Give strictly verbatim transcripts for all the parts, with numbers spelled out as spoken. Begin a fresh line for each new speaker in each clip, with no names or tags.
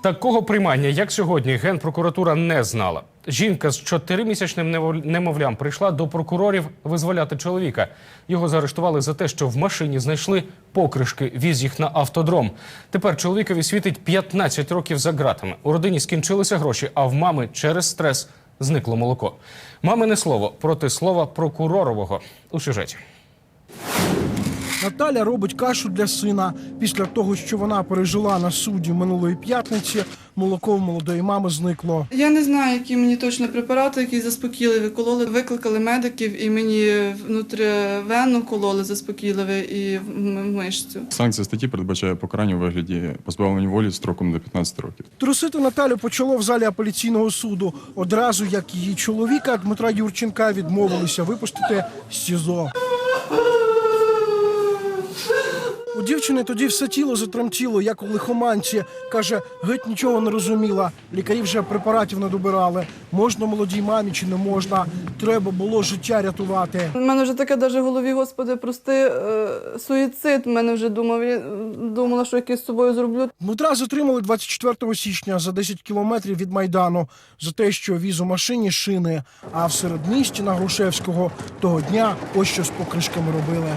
Такого приймання, як сьогодні, Генпрокуратура не знала. Жінка з чотиримісячним немовлям прийшла до прокурорів визволяти чоловіка. Його заарештували за те, що в машині знайшли покришки, віз їх на автодром. Тепер чоловікові світить п'ятнадцять років за ґратами. У родині скінчилися гроші, а в мами через стрес зникло молоко. Мамине слово проти слова прокурорового у сюжеті.
Наталя робить кашу для сина. Після того, що вона пережила на суді минулої п'ятниці, молоко в молодої мами зникло.
Я не знаю, які мені точно препарати, які заспокійливі кололи. Викликали медиків і мені внутрівенно кололи заспокійливі і в мишцю.
Санкція статті передбачає покарання у вигляді позбавлення волі строком до п'ятнадцяти років.
Трусити Наталю почало в залі апеляційного суду. Одразу, як її чоловіка Дмитра Юрченка відмовилися випустити з СІЗО. У дівчини тоді все тіло затремтіло, як у лихоманці. Каже, геть нічого не розуміла. Лікарі вже препаратів не добирали. Можна молодій мамі чи не можна. Треба було життя рятувати.
У мене вже таке навіть в голові, господи, прости, е, суїцид. У мене вже думав, я думала, що якийсь з собою зроблю.
Дмитра затримали двадцять четвертого січня за десять кілометрів від Майдану за те, що віз у машині шини. А в середмісті на Грушевського того дня ось що з покришками робили.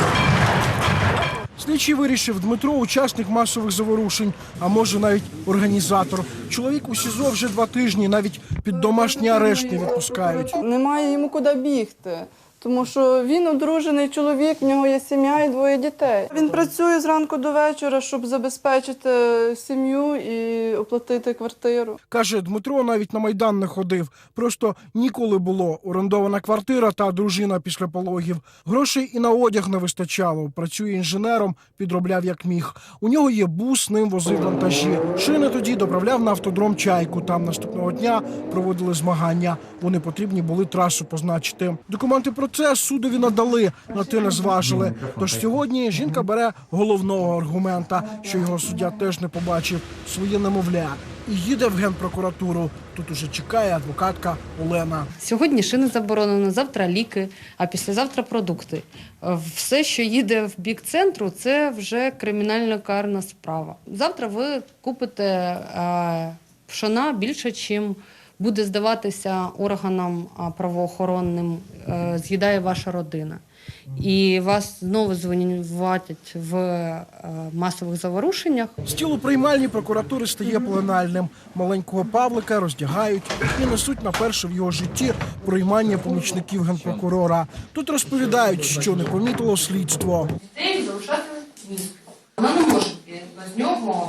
Слідчий вирішив, Дмитро – учасник масових заворушень, а може навіть організатор. Чоловік у СІЗО вже два тижні, навіть під домашній арешт не відпускають.
Немає йому куди бігти, тому що він одружений чоловік, в нього є сім'я і двоє дітей. Він працює зранку до вечора, щоб забезпечити сім'ю і оплатити квартиру.
Каже, Дмитро навіть на Майдан не ходив. Просто ніколи було. Орендована квартира та дружина після пологів. Грошей і на одяг не вистачало. Працює інженером, підробляв як міг. У нього є бус, ним возив вантажі. Шини тоді доправляв на автодром «Чайку». Там наступного дня проводили змагання. Вони потрібні були трасу позначити. Документи про це судові надали, на те не зважили. Тож сьогодні жінка бере головного аргумента, що його суддя теж не побачив – своє немовля. І їде в Генпрокуратуру. Тут уже чекає адвокатка Олена.
Сьогодні шини заборонено, завтра ліки, а післязавтра продукти. Все, що їде в бік центру, це вже кримінально-карна справа. Завтра ви купите пшона більше, чим буде здаватися органам правоохоронним, з'їдає ваша родина. І вас знову звинуватять в масових заворушеннях.
Стіл у приймальні прокуратури стає пленальним. Маленького Павлика роздягають і несуть на перше в його житті приймання помічників генпрокурора. Тут розповідають, що не помітило слідство.
Дітей залишати місто. Вона не може без нього,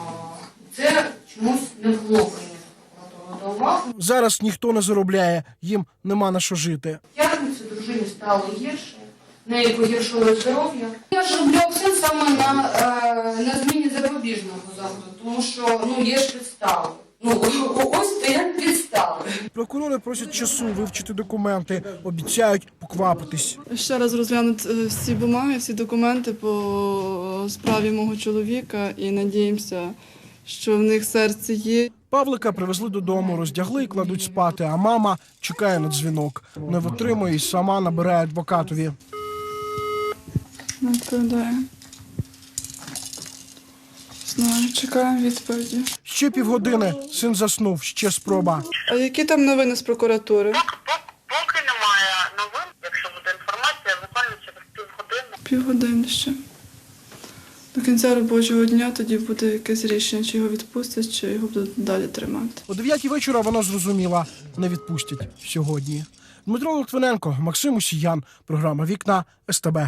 це чомусь не було прийнято прокуратуру до уваги.
Зараз ніхто не заробляє, їм нема на що жити.
П'ятницю дружині стало гірше, в неї погіршило здоров'я. Я ж роблю акцент саме на, на зміні запобіжного заходу, тому що ну, є ж підстави. Ну, ось стоять підстави.
Прокурори просять часу вивчити документи, обіцяють поквапитись.
Ще раз розглянуть всі бумаги, всі документи по справі мого чоловіка і надіємося, що в них серце є.
Павлика привезли додому, роздягли і кладуть спати, а мама чекає на дзвінок. Не витримує і сама набирає адвокатові.
Не відповідає. Знаю, чекаємо відповіді.
Ще півгодини, син заснув, ще спроба.
А які там новини з прокуратури?
Поки немає новин, якщо буде інформація, буквально через півгодини.
Півгодини ще. До кінця робочого дня тоді буде якесь рішення, чи його відпустять, чи його будуть далі тримати.
О дев'ятій вечора вона зрозуміла – не відпустять сьогодні. Дмитро Литвиненко, Максим Усіян. Програма «Вікна», ес те бе.